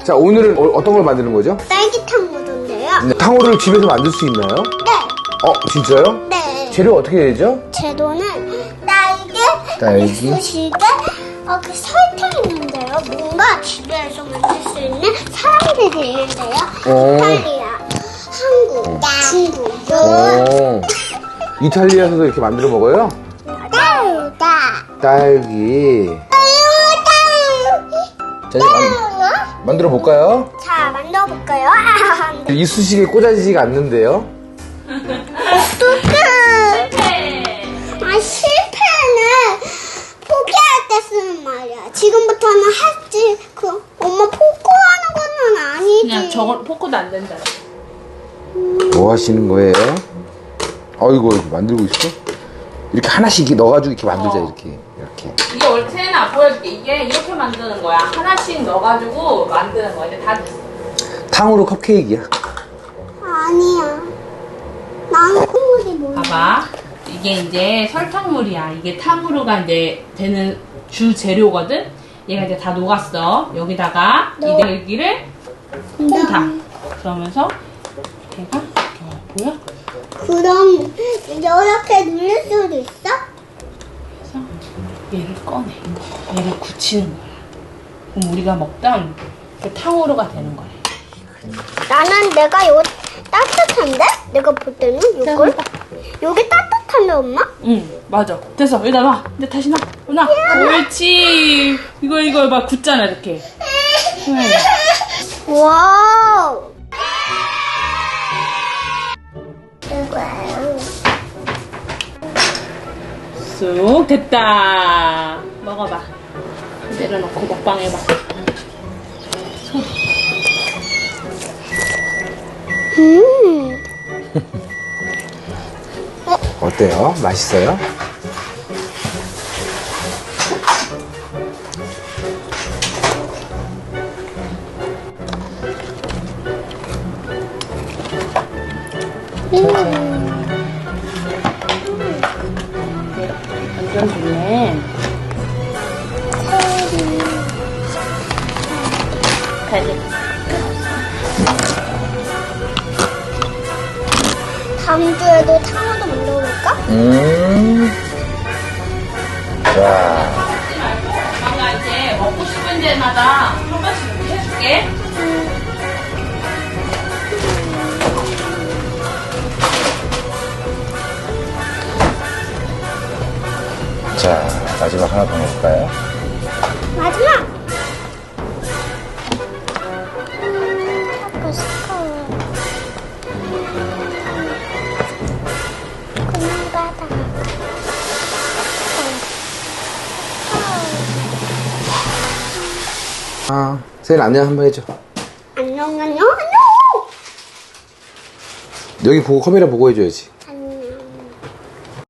자, 오늘은 어떤 걸 만드는 거죠? 딸기탕 우동인데요. 네. 탕후루를 집에서 만들 수 있나요? 네. 진짜요? 네. 재료 어떻게 되죠? 재료는 딸기, 이쑤시개, 그 설탕 있는데요. 뭔가 집에서 만들 수 있는 사람들이 있는데요. 이탈리아, 한국, 중국. 오. 이탈리아에서도 이렇게 만들어 먹어요? 딸기. 자, 이제 만들어 볼까요? 자, 만들어볼까요? 이쑤시개 꽂아지지가 않는데요? 어떡해. 실패는 포기할 때 쓰는 말이야. 지금부터는 할지. 엄마 포기하는 거는 아니지. 그냥 저건 포크도 안 된다. 뭐 하시는 거예요? 이거 만들고 있어? 이렇게 하나씩 이렇게 넣어가지고 이렇게 만들자, 이렇게. 이게 원래 세나 보여줄게. 이게 이렇게 만드는 거야. 하나씩 넣어가지고 만드는 거야. 이제 다 됐어. 탕후루 컵케이크야. 아니야. 나는 콧물이 몰라. 봐봐. 이게 이제 설탕물이야. 이게 탕후루가 이제 되는 주 재료거든. 얘가 이제 다 녹았어. 여기다가 이 딸기를 콩다. 그러면서 얘가 보여? 그럼 이렇게 누를 수도 있어? 그래서 얘를 꺼내. 얘를 굳히는 거야. 그럼 우리가 먹던 그 탕후루가 되는 거야. 나는 내가 이거 따뜻한데? 내가 볼 때는 이걸? 여기 따뜻한데 엄마? 응, 맞아. 됐어. 여기다 놔. 이제 다시 놔. 놔. 옳지. 이거 막 굳잖아, 이렇게. 와우. 쑥 됐다. 먹어봐. 내려놓고 먹방해봐. 어때요? 맛있어요? 완전 좋네. 가지. 다음 주에도 탕후루 만들어볼까? 자, 엄마가 이제 먹고 싶은 데마다 한 번씩 이렇게 해줄게. 자, 마지막 하나 더 넣을까요? 마지막. 아까 스카워. 그만 받아. 세일 안녕 한번 해줘. 안녕. 여기 보고 카메라 보고 해줘야지.